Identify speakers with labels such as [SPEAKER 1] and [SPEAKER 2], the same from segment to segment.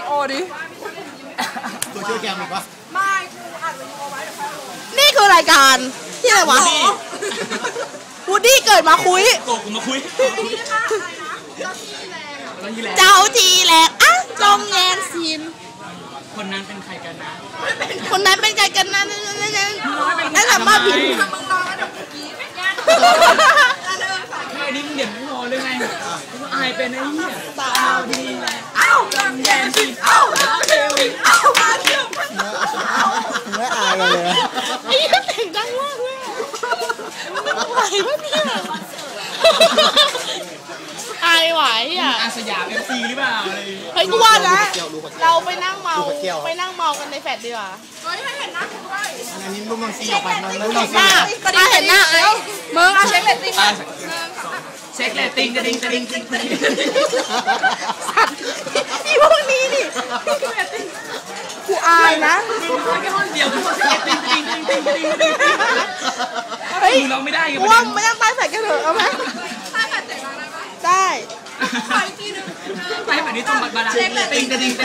[SPEAKER 1] ดีโอดิ
[SPEAKER 2] ตัวช่วยแกมอีกวะ
[SPEAKER 1] ไม่กูอัดวิดีโอไว้เดี๋ยวค่อยลง
[SPEAKER 3] นี่คือรายการที่อะไรวะวูดดี้เกิดมาคุย
[SPEAKER 4] โกกูมาคุย
[SPEAKER 3] เจ้าทีแหลกอ่ะจงแยงซีน
[SPEAKER 4] คนนั้นเป็นใครกันนะ
[SPEAKER 3] คนนั้นเป็นใครกันนะนั่นแหละมาผิด
[SPEAKER 1] มึงรอแล้วเดี๋ยวกูกี้แย่
[SPEAKER 4] แค่นี้มึงเด่นไม่พอเลยไงกูอายเป็นไอ้เหี้ย
[SPEAKER 3] ตา
[SPEAKER 4] ดีแหละเอ้าจำแยนสิเอ้าเทวิเอ้ามาเที่ยว
[SPEAKER 2] ไม่อายเลย
[SPEAKER 3] ไอ้เสียงดังมากเลยไหวปะเนี่ยอายไหวอ่ะ
[SPEAKER 4] อาสยามเอฟซีหรือเปล่าอะไร
[SPEAKER 3] เฮ้ยกูว่านะเราไปนั่งเมากันในแฟลตดีกว่า
[SPEAKER 1] เฮ้ยให้เห็นหน้ากูด้วย
[SPEAKER 2] อันนี้รูปมังซีออกไปมันรูปมังซี
[SPEAKER 3] มาเห็นหน้าไอ้
[SPEAKER 1] มึงเอาเช็คเรตติ้ง
[SPEAKER 4] เช็คเรตติ้งจะดิ้ง
[SPEAKER 3] สัตว์อีพวกนี้นี่กูอายนะ
[SPEAKER 4] แค่ห้องเดียวกูเช็คติ้งเฮ้ยเราไม่ได้กัน
[SPEAKER 3] ว่าไม่ต้องใต้แฟลตกันเถอะเอาไหม
[SPEAKER 1] ใต้แฟลตเจ๋งมาก
[SPEAKER 3] ได้
[SPEAKER 1] ขออีกทีนึง
[SPEAKER 4] ไม่แบบนี้ต้องมาดาติ้งจะดิ้ง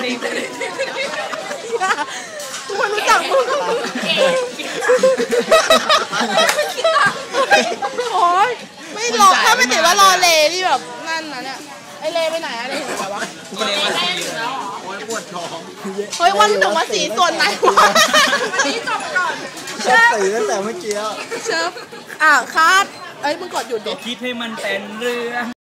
[SPEAKER 3] ทุกคนรู้จักมึงโอ้ยไม่รอถ้าไม่ติดว่ารอเลที่แบบนั่นนะเนี่ยไอเลไปไหนอะไรเห็นไหมวะ
[SPEAKER 4] กูเลยว่า
[SPEAKER 2] โอ้ยปวดท้อง
[SPEAKER 3] เฮ้ยวันถึงว่าสีส่วนไหนวะ
[SPEAKER 1] วันนี้จบก่อน
[SPEAKER 2] เชฟตื่นตั้งแต่เมื่อกี้
[SPEAKER 3] เชฟคาดเอ้ยมึงกดหยุดดิ
[SPEAKER 4] คิดให้มันเป็นเรื่อง